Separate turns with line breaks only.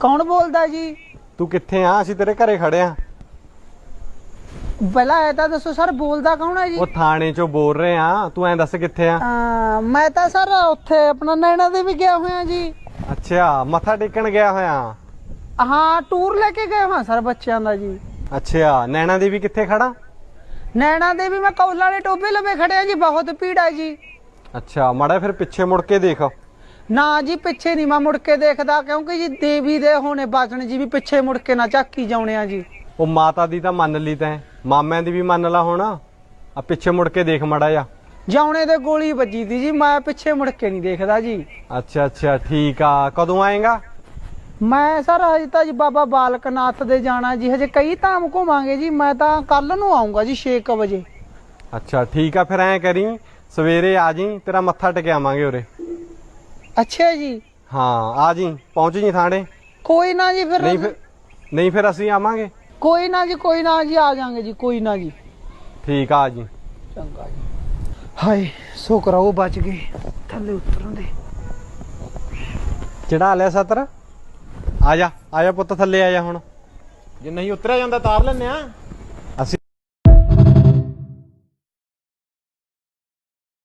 ਕੌਣ ਬੋਲਦਾ ਜੀ?
ਤੂੰ ਕਿੱਥੇ ਆ? ਅਸੀਂ ਤੇਰੇ ਘਰੇ ਖੜੇ ਆ।
ਪਹਿਲਾਂ ਇਹ ਤਾਂ ਦੱਸੋ ਸਰ, ਬੋਲਦਾ ਕੌਣ ਹੈ ਜੀ?
ਉਹ ਥਾਣੇ ਚੋਂ ਬੋਲ ਰਹੇ ਆ, ਤੂੰ ਐਂ ਦੱਸ ਕਿੱਥੇ ਆ?
ਮੈਂ ਤਾਂ ਸਰ ਉੱਥੇ ਆਪਣਾ ਨੈਣਾ ਦੇ ਵੀ ਗਿਆ ਹੋਇਆ ਜੀ।
ਅੱਛਾ, ਮੱਥਾ ਟੇਕਣ ਗਿਆ ਹੋਇਆ।
ਹਾਂ, ਟੂਰ ਲੈ ਕੇ ਗਏ ਹਾਂ ਸਰ ਬੱਚਿਆਂ ਦਾ ਜੀ।
ਅੱਛਾ, ਨੈਣਾ ਦੇਵੀ ਕਿੱਥੇ ਖੜਾ?
ਨੈਣਾ ਦੇ ਵੀ ਮੈਂ ਕੌਲਾ ਵਾਲੇ ਟੋਬੇ ਲਵੇ ਖੜਿਆ ਜੀ, ਬਹੁਤ ਭੀੜ ਹੈ ਜੀ।
ਅੱਛਾ, ਮਾੜਾ ਫਿਰ ਪਿੱਛੇ ਮੁੜ ਕੇ ਦੇਖ।
ਨਾ ਜੀ, ਪਿੱਛੇ ਨਹੀਂ ਮੈਂ ਮੁੜ ਕੇ ਦੇਖਦਾ, ਕਿਉਂਕਿ ਜੀ ਦੇਵੀ ਦੇ ਹੋਣੇ ਬਾਜਣ ਜੀ, ਵੀ ਪਿੱਛੇ ਮੁੜ ਕੇ ਨਾ ਝਾਕੀ ਜਾਉਣੇ ਆ ਜੀ।
ਉਹ ਮਾਤਾ ਦੀ ਤਾਂ ਮੰਨ ਲਈ ਤੈਂ, ਮਾਮਿਆਂ ਦੀ ਵੀ ਮੰਨ ਲਾ ਹੁਣ। ਆ ਪਿੱਛੇ ਮੁੜ ਕੇ ਦੇਖ ਮਾੜਾ ਜਾ।
ਜਾਉਣੇ ਦੇ ਗੋਲੀ ਵੱਜੀ ਦੀ ਜੀ, ਮੈਂ ਪਿੱਛੇ ਮੁੜ ਕੇ ਨਹੀਂ ਦੇਖਦਾ ਜੀ।
ਅੱਛਾ ਅੱਛਾ, ਠੀਕ ਆ। ਕਦੋਂ ਆਏਗਾ?
ਮੈਂ ਸਰ ਹਜੇ ਤਾਂ ਜੀ ਬਾਬਾ ਬਾਲਕ ਨਾਥ ਦੇ ਜਾਣਾ ਜੀ, ਹਜੇ ਕਈ ਧਾਮ ਘੁਮਾਂਗੇ ਜੀ। ਮੈਂ ਤਾਂ ਕੱਲ ਨੂੰ ਆਉਂਗਾ ਜੀ 6 ਵਜੇ।
ਅੱਛਾ ਠੀਕ ਆ, ਫਿਰ ਐਂ ਕਰੀ ਸਵੇਰੇ ਆ ਜੀ, ਤੇਰਾ ਮੱਥਾ ਟਿਕਾਵਾਂਗੇ ਉਰੇ।
ਅੱਛਾ ਜੀ।
ਹਾਂ ਆ ਜੀ, ਪਹੁੰਚ ਜੀ ਥਾਣੇ।
ਕੋਈ ਨਾ ਜੀ, ਫਿਰ
ਨਹੀਂ ਫਿਰ ਅਸੀਂ ਆਵਾਂਗੇ।
ਕੋਈ ਨਾ ਜੀ, ਕੋਈ ਨਾ ਜੀ, ਆ ਜਾਾਂਗੇ ਜੀ, ਕੋਈ ਨਾ ਜੀ।
ਠੀਕ ਆ ਜੀ।
ਚੰਗਾ ਜੀ। ਹਾਏ ਸ਼ੁਕਰ ਆ ਉਹ ਬਚ ਗਏ ਥੱਲੇ ਉਤਰਨ ਦੇ।
ਚੜਾ ਲਿਆ ਸਤਰ। ਆ ਜਾ ਪੁੱਤ, ਥੱਲੇ ਆ ਜਾ ਹੁਣ।
ਜੇ ਨਹੀਂ ਉਤਰਿਆ ਜਾਂਦਾ ਤਾਰ ਲੈਨੇ ਆ।